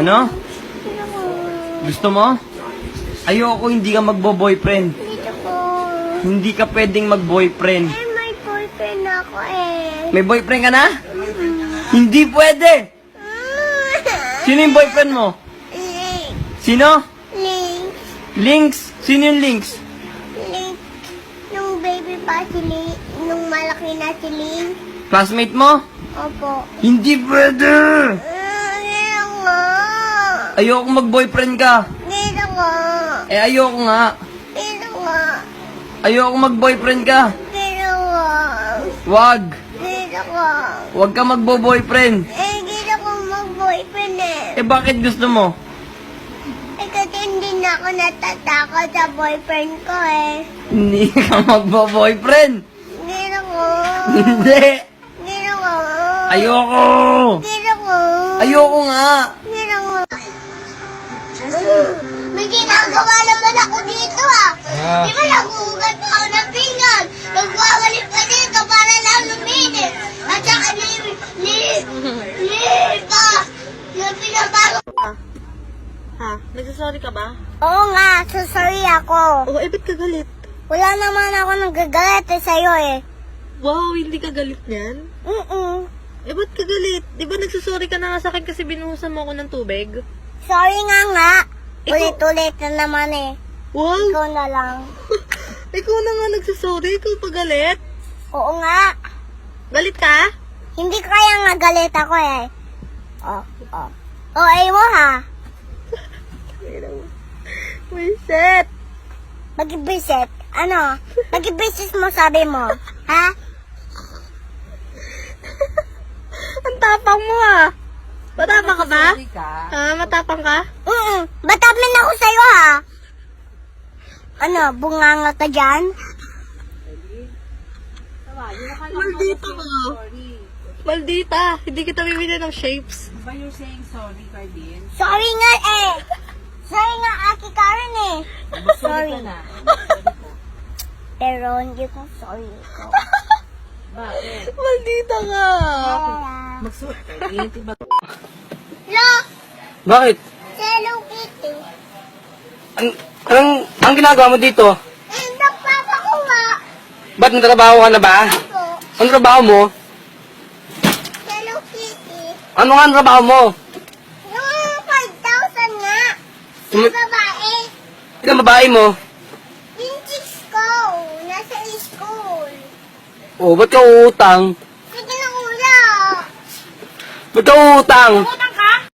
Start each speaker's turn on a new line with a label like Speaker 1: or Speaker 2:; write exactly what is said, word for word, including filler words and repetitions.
Speaker 1: Ano?
Speaker 2: Dito po.
Speaker 1: Gusto mo? Ayoko hindi ka magbo-boyfriend.
Speaker 2: Dito po.
Speaker 1: Hindi ka pwedeng mag-boyfriend.
Speaker 2: Eh, may boyfriend ako eh.
Speaker 1: May boyfriend ka na? Hindi pwede! Sino yung boyfriend mo?
Speaker 2: Link.
Speaker 1: Sino?
Speaker 2: Link.
Speaker 1: Links? Sino yung Links?
Speaker 2: Link. Nung baby pa si Link. Nung malaki na si Link.
Speaker 1: Classmate mo?
Speaker 2: Opo.
Speaker 1: Hindi pwede!
Speaker 2: Ah, Dito nga.
Speaker 1: Ayoko mag-boyfriend ka.
Speaker 2: Dito nga.
Speaker 1: Eh, ayoko nga.
Speaker 2: Dito nga.
Speaker 1: Ayoko mag-boyfriend ka.
Speaker 2: Dito nga.
Speaker 1: Wag.
Speaker 2: Dito nga.
Speaker 1: Wag ka magbo-boyfriend.
Speaker 2: Eh, dito ko mag-boyfriend eh.
Speaker 1: Eh, bakit gusto mo?
Speaker 2: Eh, kasi hindi na ako natatakot sa boyfriend ko eh.
Speaker 1: Hindi ka magbo-boyfriend.
Speaker 2: Dito ko.
Speaker 1: Hindi.
Speaker 2: Dito ko.
Speaker 1: Ayoko.
Speaker 2: Dito ko.
Speaker 1: Ayoko nga.
Speaker 2: Dito ko. May ginagawa naman ako dito ah. Di ba naguhugat pa ako ng pinggan? Nagwawalik pa dito para lang luminis. At saka ni... ni... ni... pa... na pinabago.
Speaker 3: Ha? Nagsasorry ka ba?
Speaker 2: Oo nga, so sorry ako.
Speaker 3: Oo, eh, ba't ka galit?
Speaker 2: Wala naman ako nagagalit eh sa'yo eh.
Speaker 3: Wow, hindi ka galit niyan?
Speaker 2: Mm-mm.
Speaker 3: Eh, ba't ka galit? Di ba nagsasorry ka na nga sa akin kasi binuhusan mo ako ng tubig?
Speaker 2: Sorry nga nga.
Speaker 3: Ikaw-
Speaker 2: Ulit-ulit na naman eh.
Speaker 3: Wow!
Speaker 2: Ikaw na lang.
Speaker 3: Ikaw na nga nagsasorry, ikaw pa galit?
Speaker 2: Oo nga.
Speaker 3: Galit ka?
Speaker 2: Hindi kaya nga galit ako eh. Oh, oh. Oh, ay mo ha.
Speaker 3: Reset!
Speaker 2: Mag-visit. Ano? Mag-visit mo sabi mo. Ha?
Speaker 3: Ang tapang mo ah! Matapang ka ba? Ha? Matapang ka?
Speaker 2: Mm-mm. Batamin ako sa'yo ha. Ano? Bunganga ka dyan?
Speaker 3: Maldita ka! Maldita! Hindi kita bibili ng shapes.
Speaker 4: But you're saying sorry, Cardin.
Speaker 2: Sorry nga eh. Sorry nga, Aki Karen eh. Sorry.
Speaker 4: na.
Speaker 2: Pero hindi ko sorry ko.
Speaker 4: Bakit?
Speaker 3: Maldita ka!
Speaker 4: Magsuot, Cardin. Diba?
Speaker 2: Lo!
Speaker 1: Bakit?
Speaker 2: Hello Kitty.
Speaker 1: An anong, anong ginagawa mo dito?
Speaker 2: Eh, nagpapakuha.
Speaker 1: Ba't nagtrabaho ka na ba?
Speaker 2: Ako.
Speaker 1: Anong trabaho mo?
Speaker 2: Hello Kitty.
Speaker 1: Ano nga ang trabaho mo?
Speaker 2: Yung five thousand nga. Sa
Speaker 1: Tumi-
Speaker 2: babae.
Speaker 1: Ilang babae mo?
Speaker 2: Yung chicks ko. Nasa school.
Speaker 1: Oh, ba't ka uutang?
Speaker 2: Sige na kuya.
Speaker 1: Ba't ka uutang?
Speaker 2: Utang